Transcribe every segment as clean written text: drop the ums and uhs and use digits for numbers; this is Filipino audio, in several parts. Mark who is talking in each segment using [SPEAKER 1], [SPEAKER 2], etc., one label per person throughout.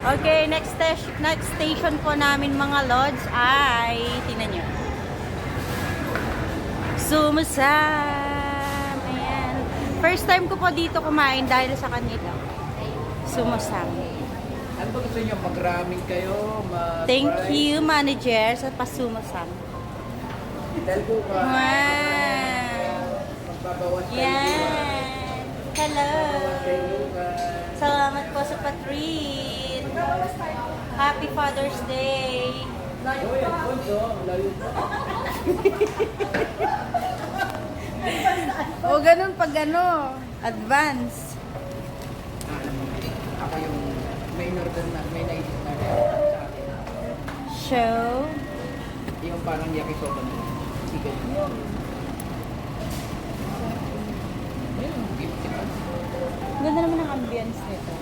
[SPEAKER 1] Okay, next station po namin mga lods ay, tingnan nyo. Sumusam. Ayan. First time ko po dito kumain dahil sa kanila. Sumusam.
[SPEAKER 2] Ano ba gusto nyo? Mag-ramming kayo?
[SPEAKER 1] Thank you, manager, sa pasumusam.
[SPEAKER 2] Dahil po ba?
[SPEAKER 1] Wow.
[SPEAKER 2] Magbabawas kayo.
[SPEAKER 1] Yan. Hello. Salamat po sa patreat. Happy Father's Day.
[SPEAKER 2] Layo yan, Ponso. Layo pa.
[SPEAKER 1] O, ganun pag ano, advance.
[SPEAKER 2] Ako yung may order na, may naisip na sa akin.
[SPEAKER 1] Show.
[SPEAKER 2] Yung parang yakisoba na. Chicken. Ayun, gift ka.
[SPEAKER 1] Ganda naman ang ambience nito.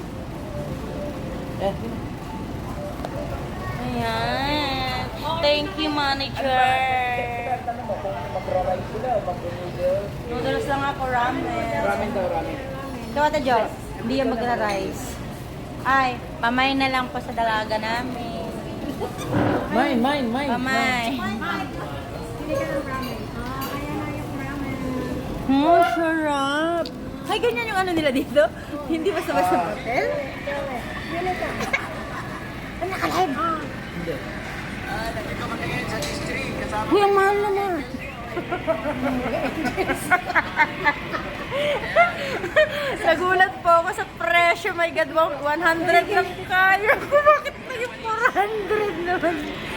[SPEAKER 1] Ayan. Thank you, manager.
[SPEAKER 2] Tanong mo kung mag-rice sila o mag-noodles.
[SPEAKER 1] Noodles lang ako, ramen.
[SPEAKER 2] Ramen daw, ramen.
[SPEAKER 1] Ito, Ate Jo, hindi yan magra-rice. Ay, pamay na lang po sa dalaga namin.
[SPEAKER 2] Mine.
[SPEAKER 1] Pamay.
[SPEAKER 3] Hindi ka ng ramen. Kaya na yung ramen.
[SPEAKER 1] Sarap. Ay, ganyan yung ano nila dito? Hindi basta-basta hotel?
[SPEAKER 3] Yun ito.
[SPEAKER 1] Ano nakalive?
[SPEAKER 2] Hindi. Nandito kami ngayon sa history. Kasama
[SPEAKER 1] Uy, ang mahal naman. Nagulat po ako sa presyo. My God, 100 lang kaya ko. Bakit naging 400 naman?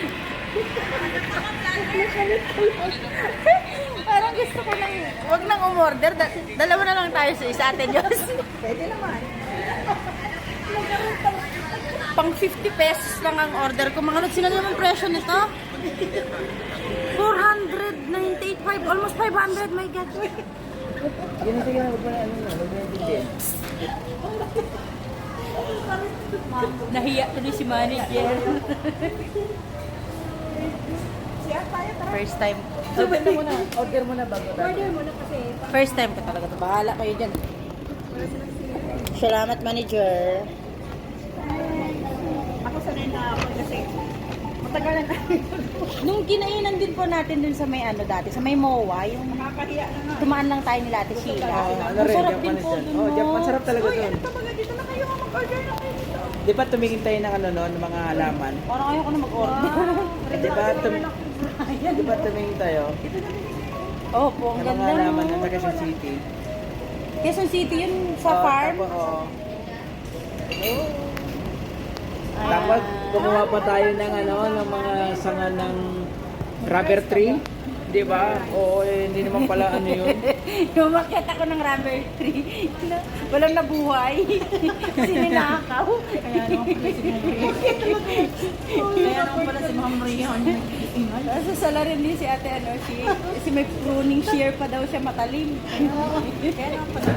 [SPEAKER 1] Parang gusto ko nang, wag nang umorder. Dalawa na lang tayo sa isa, Ate Diyos.
[SPEAKER 3] Pwede naman.
[SPEAKER 1] Pang 50 pesos lang ang order ko. Mga sino naman presyo nito? 498, almost 500, my God.
[SPEAKER 2] Yun sige na, huwag mo na ano na, huwag mo na din.
[SPEAKER 1] Nahiya tuloy si manager.
[SPEAKER 3] Siya tayo, tara.
[SPEAKER 1] First time.
[SPEAKER 2] Order mo na bago tayo.
[SPEAKER 3] Order mo na kasi.
[SPEAKER 1] First time ko talaga to. Bahala kayo dyan. Salamat, manager.
[SPEAKER 3] Ako sanay na ako kasi matagal na tayo.
[SPEAKER 1] Nung kinainan din po natin dun sa may ano dati, sa may MOA, yung
[SPEAKER 3] Nakakahiya na nga.
[SPEAKER 1] tumaan lang tayo nila Ate Sheila.
[SPEAKER 2] Ano
[SPEAKER 1] Ang
[SPEAKER 2] rin,
[SPEAKER 1] sarap din
[SPEAKER 2] Japanese
[SPEAKER 1] po
[SPEAKER 2] yan.
[SPEAKER 1] dun,
[SPEAKER 2] Oh,
[SPEAKER 1] no?
[SPEAKER 2] Japan, sarap talaga
[SPEAKER 3] Uy,
[SPEAKER 2] doon.
[SPEAKER 3] ano talaga dito na kayo mag-order na kayo dito.
[SPEAKER 2] Di ba tumingin tayo ng ano noon, ng mga halaman?
[SPEAKER 1] Parang ayaw ko na mag-order.
[SPEAKER 2] Di ba, di ba tumingin tayo?
[SPEAKER 1] Oh, po, ang
[SPEAKER 2] Ng mga
[SPEAKER 1] ganda,
[SPEAKER 2] halaman
[SPEAKER 1] no?
[SPEAKER 2] sa Quezon City.
[SPEAKER 1] Quezon City yun, sa
[SPEAKER 2] Oh,
[SPEAKER 1] farm.
[SPEAKER 2] Tapos gumawa pa tayo ng ano, ng mga sanga ng rubber tree. Di ba? Oo, hindi naman pala ano yun.
[SPEAKER 1] Umakyat ako ng rubber tree. Walang nabuhay. Kasi ninakaw. Kaya naman pala si Ma'am Rion. Sa sala rin din si ate ano, si may pruning shear pa daw siya matalim. Kaya naman pala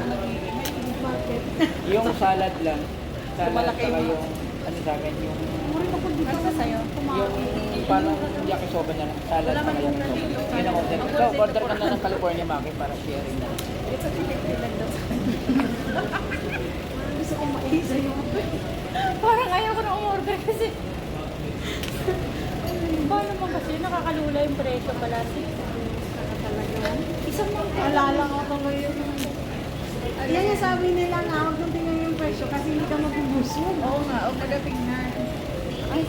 [SPEAKER 2] Yung salad lang. Salad
[SPEAKER 1] Malaki
[SPEAKER 2] saka
[SPEAKER 1] yung-
[SPEAKER 2] yung ano sa akin, yung
[SPEAKER 1] Ano sa'yo?
[SPEAKER 2] yung parang yakisoba na lang. Salad saka yakisoba. Yun ang order ko. So, order ka na ng California Maki para sharing na.
[SPEAKER 3] Gusto kong maisa yung
[SPEAKER 1] Parang ayaw ko na umorder kasi ba naman kasi nakakalula yung presyo pala. Isang mga
[SPEAKER 3] alala ko ngayon. Yan yung sabi nila nga, huwag nang tingnan yung presyo kasi hindi ka mabubusog. Oo nga, huwag magatingnan. Ay,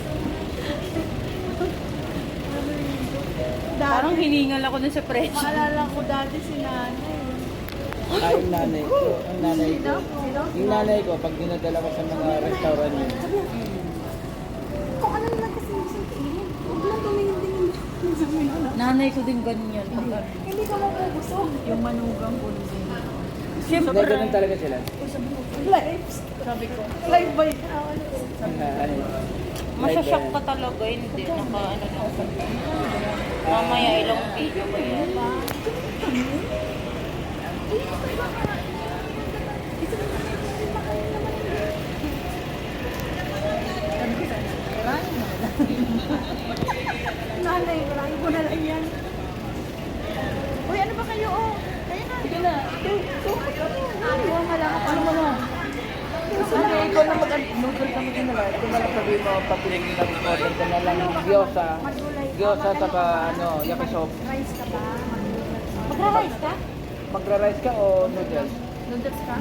[SPEAKER 1] Parang
[SPEAKER 3] dati,
[SPEAKER 1] hiningal ako dun sa presyo.
[SPEAKER 3] maalala ko dati si nanay.
[SPEAKER 2] Ay, yung nanay ko. Ang nanay ko.
[SPEAKER 3] Sino?
[SPEAKER 2] Yung nanay ko, pag dinadala ko sa mga restaurant yun,
[SPEAKER 3] Kung ano naman kasi gusto tingin, huwag lang tumingin-tingin sa menu.
[SPEAKER 1] Nanay ko din ganyan.
[SPEAKER 3] Hindi ka mabubusog. Yung manugang ko din.
[SPEAKER 1] Siyempre,
[SPEAKER 2] hindi, ganun talaga sila.
[SPEAKER 3] Lives.
[SPEAKER 1] sabi ko,
[SPEAKER 3] Live by
[SPEAKER 2] Ano yun?
[SPEAKER 1] masyashock ka talaga, hindi. Naka, ano na. Mamaya ilang video ko yan.
[SPEAKER 3] Nanay, marami ko na lang yan. Uy, ano ba kayo? Oh, kayo na. Sige na. Ano mo na? Ano mo na?
[SPEAKER 2] ikaw na mag-noodle ka na lang. Ito na lang sabihin mo, papilin mo lang, order ka na lang ng gyoza. Gyoza, saka yakisoba.
[SPEAKER 3] Rice ka ba?
[SPEAKER 1] Magra-rice ka?
[SPEAKER 2] Magra-rice ka o noodles?
[SPEAKER 1] Noodles ka?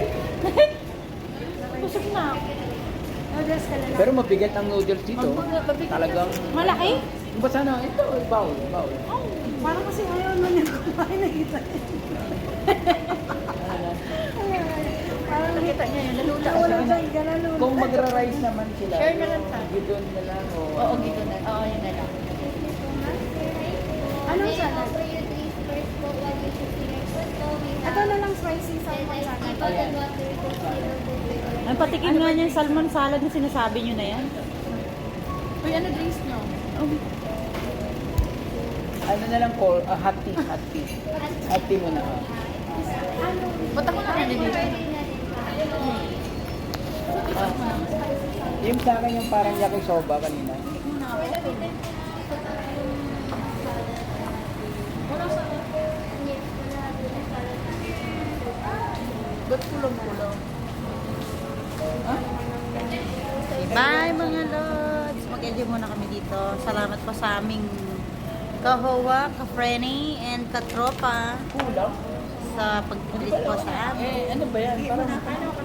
[SPEAKER 1] Busog na ako.
[SPEAKER 3] Noodles ka na lang.
[SPEAKER 2] Pero mabigat ang noodles dito. Talagang...
[SPEAKER 1] Malaki?
[SPEAKER 2] Basta na, ito, bowl.
[SPEAKER 3] Parang kasi ayaw na niya kumain na kita. Parang
[SPEAKER 1] Nakita niya yun, nalula
[SPEAKER 3] wala
[SPEAKER 1] siya.
[SPEAKER 3] na ganun.
[SPEAKER 2] Kung magra-rice naman sila,
[SPEAKER 1] Share na lang tayo.
[SPEAKER 2] gidon na lang o...
[SPEAKER 1] Oo, gito na. Oo, yun na lang.
[SPEAKER 3] Anong salad? Ito na lang spicy salmon salad.
[SPEAKER 2] Ayan.
[SPEAKER 1] Ang patikim nga niya yung salmon salad na sinasabi niyo na yan. Uy, ano drinks niyo?
[SPEAKER 2] Ano na lang po, hot tea. Hot tea muna.
[SPEAKER 1] Ba't ako na rin dito?
[SPEAKER 2] Yung sa akin yung parang yakisoba kanina.
[SPEAKER 1] Ba't kulong-kulong? Bye mga lods! Mag-enjoy muna kami dito. Salamat po sa aming kahowa, ka-frenny, and katropa
[SPEAKER 2] Kulang?
[SPEAKER 1] sa pag-visit po sa amin.
[SPEAKER 2] Ano ba yan? Parang